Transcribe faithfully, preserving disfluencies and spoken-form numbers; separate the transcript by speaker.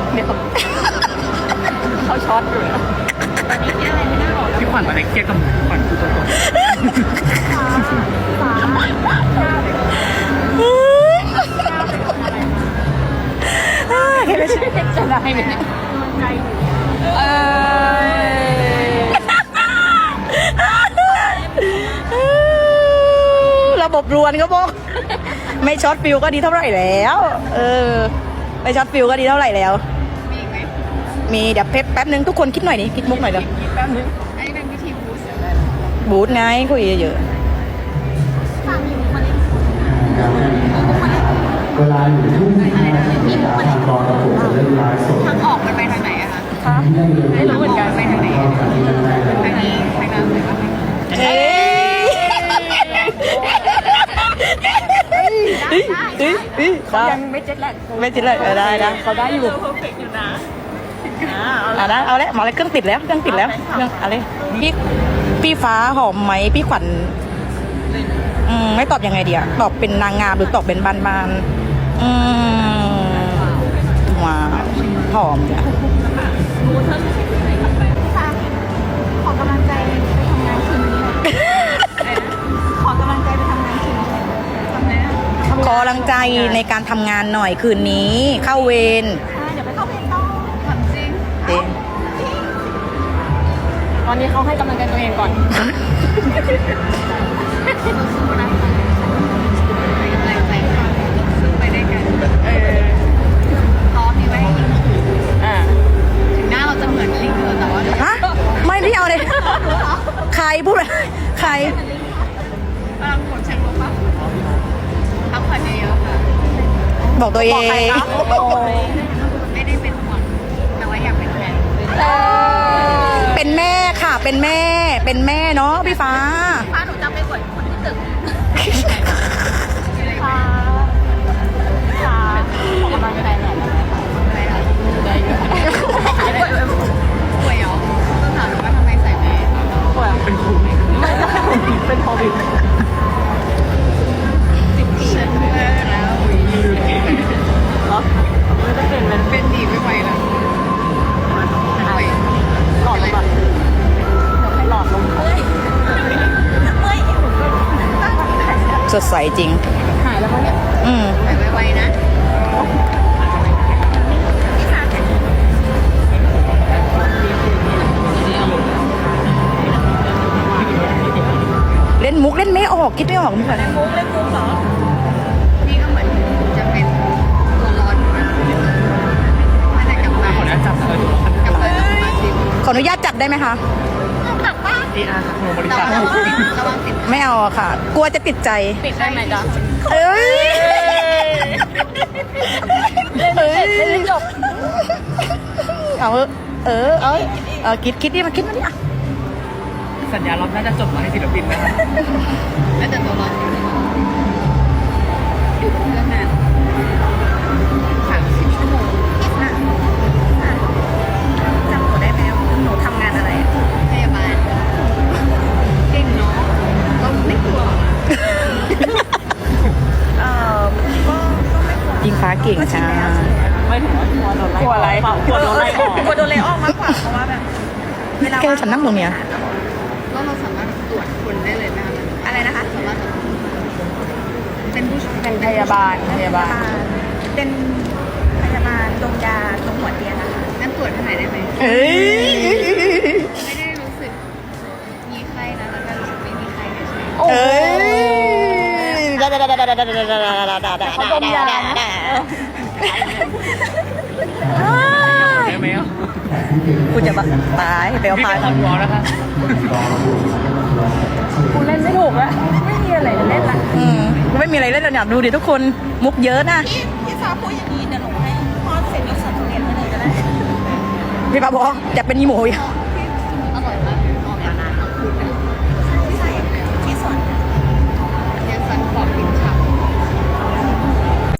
Speaker 1: เนี่ยเขาช็อตอยู่นะพี่ขวัญอะไรเครียดกับพี่ขวัญคือตัวตน
Speaker 2: เห็นแล้วใช่ไหมจะได้ไหมเออระบบรวนก็บอกไม่ช็อตฟิวก็ดีเท่าไหร่แล้วเออไม่ช็อตฟิวก็ดีเท่าไหร่แล้วมีอีกไหมมีเดี๋ยวเพชรแป๊บนึงทุกคนคิดหน่อยดิคิดมุกหน่อยเดี๋ยว
Speaker 3: แป๊บนึงอันนี้เป็นวิธีบูสต์
Speaker 2: บูทไงคุยเยอะ
Speaker 4: เวลาอยู่ทุ่งนาที่ทางกองกระปุกจะเล่นไลฟ์สด
Speaker 3: ทางออกมันไปทางไหนอะคะ
Speaker 2: ๆค่ะไม่รู้เหมือนกัน
Speaker 3: ไปทางไหนทางนี้ทางน้ำหรือว่าทาง
Speaker 2: เอ้ยเฮ้ยเฮ้ยเฮ้ยได้
Speaker 1: ยังไม่เจ็ดแหละ
Speaker 2: ไม่จิตเลยเออได้นะเขาได้อยู่
Speaker 1: เพอร์เฟกต์อยู่นะ
Speaker 2: เอานะเอาแล้วหมอเลยเครื่องติดแล้วเครื่องติดแล้วเครื่องอะไรพี่พี่ฟ้าหอมไหมพี่ขวัญอืมไม่ตอบยังไงดีอะตอบเป็นนางงามหรือตอบเป็นบานๆอืมว้าวหอมเนี่ย
Speaker 3: ขอกำลังใจไปทำงานคืนนี้เลยขอกำลังใจไปทำงานคืนนี้ทำไงอะ
Speaker 2: ขอกำลังใจในการทำงานหน่อยคืนนี้เข้าเวร
Speaker 3: เดี๋ยวไปเข้าเวรต่อถามจริง
Speaker 2: เอ๊ะ
Speaker 1: ตอนนี้เขาให้กำลังใจตัวเองก่อน
Speaker 3: สู้ๆนะคะไปกำลังใจค่ะสู้ไปด้วยกันเออท้อมีไว้ให้ยิง
Speaker 1: อ่า
Speaker 3: ถึงหน้าเราจะเหมือนลิงเถอะแต่ว่า
Speaker 2: ฮะไม่พี่เอาเลยใครพูดอะไรใคร
Speaker 3: พลังผลเชิงลบป่ะพักผ่อนเยอะๆค่ะ
Speaker 2: บอกตัวเอง
Speaker 3: ไม่ได้เป็นห่วงแต่ว่าอยากเป็นแฟน
Speaker 2: เป็นแม่ค่ะ เป็นแม่ เป็นแม่เนาะพี่ฟ้า
Speaker 3: พาหนูจะไปกดคนที่ตึกค่ะค่ะขอกำลังใจหน่อยอะไรคะใจเยอะป่วยเหรอต้องถามว่าทำไมใส่แมส
Speaker 1: ป่วยเป็นโควิดเป็นโควิด
Speaker 3: สิบปีแล้ว
Speaker 1: เหรอไม่ได้เป็นมัน
Speaker 3: เป็นหนีไม่ไหวแล้วป่วย
Speaker 1: หลอดลมอ่ะหลอดลม
Speaker 2: สดใสจริง
Speaker 1: หายแล้วมั้งเนี่ย
Speaker 2: อืม
Speaker 3: หายไวๆนะ
Speaker 2: เล่นมุกเล่นไม่ออกคิดไม่ออกมุกอะไร
Speaker 3: มุกเล่นมุกเหรอนี่ก็เหมือนจะเป็นตัวร้อนเหมือนกันมาจากกับมา
Speaker 1: ขออนุญาตจับเลย
Speaker 3: กับเลยสมาชิก
Speaker 2: ขออนุญาตจับได้ไหมคะ
Speaker 3: จับบ้าน
Speaker 1: ดีอาร์โนบริ
Speaker 3: ระ
Speaker 1: ษั
Speaker 3: วั
Speaker 1: ท
Speaker 3: งติดระวังติด
Speaker 2: ไม่เอาอะค่ะ กลัวจะติดใจ
Speaker 1: ติดได้ไหมจ๊ะ
Speaker 2: เอ้ยเอ้ยจบเอาเออเออเอ้ยเออคิดคิดดิมาคิดมาดิอ่ะ
Speaker 1: สัญญาเราน่าจะจบมาให้ศิลปินนะ
Speaker 3: แล้วแต่ตัวร้อนอยู่กับเพื่อนนานสามสิบชั่วโมงจำหนูได้ไหมหนูทำงานอะไรพยาบาลเก่งเนาะก็ไม่กลัวเออก็ก็ไม่กลัว
Speaker 2: ยิงฟ้าเก่งจ้า
Speaker 1: ไม่ถึงว่ากลัวโดนไล่กลัวอะไรกลัวโดนไล่ออก
Speaker 3: กลัวโดนไล่ออกมากกว่าเพราะว่าแบบเวลา
Speaker 2: แกฉันนั่งตรงเนี้ย
Speaker 3: ก็เราสามารถตรวจคนได้เลยนะอะไรนะคะสามารถเป็นผู้ช่วย
Speaker 1: เป็นพยาบาลพยาบาล
Speaker 3: เป็นพยาบาลตรงยาตรงหัวเตียงนะคะงั้นตรวจให้หน่อยได้ไหม
Speaker 2: เอ้ย
Speaker 3: ไม่ได้รู้สึกมีไข้นะแล้วก็รู้สึกไม่มีไข้เฉย
Speaker 2: เอ้ย
Speaker 1: เขาดมยานะ ได้ไหมอ่ะ
Speaker 2: กูจะบ้าตายไปเอา
Speaker 1: พี่
Speaker 2: พา
Speaker 1: เป็นคนวอลนะคะ
Speaker 2: กูเล่นไม่ถูกอะไม่มีอะไรเล่นละอืมกูไม่มีอะไรเล่นแล้วเนี่ยดูดิทุกคนมุกเยอะนะ
Speaker 3: พี่พี่ฟ้าพูดอย่างนี้เดี๋ยวหนูให้พอเสร็จแล้วสั่งเรียนให้เลยก็ได้
Speaker 2: พี่ปาบอกจะเป็นอีโมย
Speaker 3: เ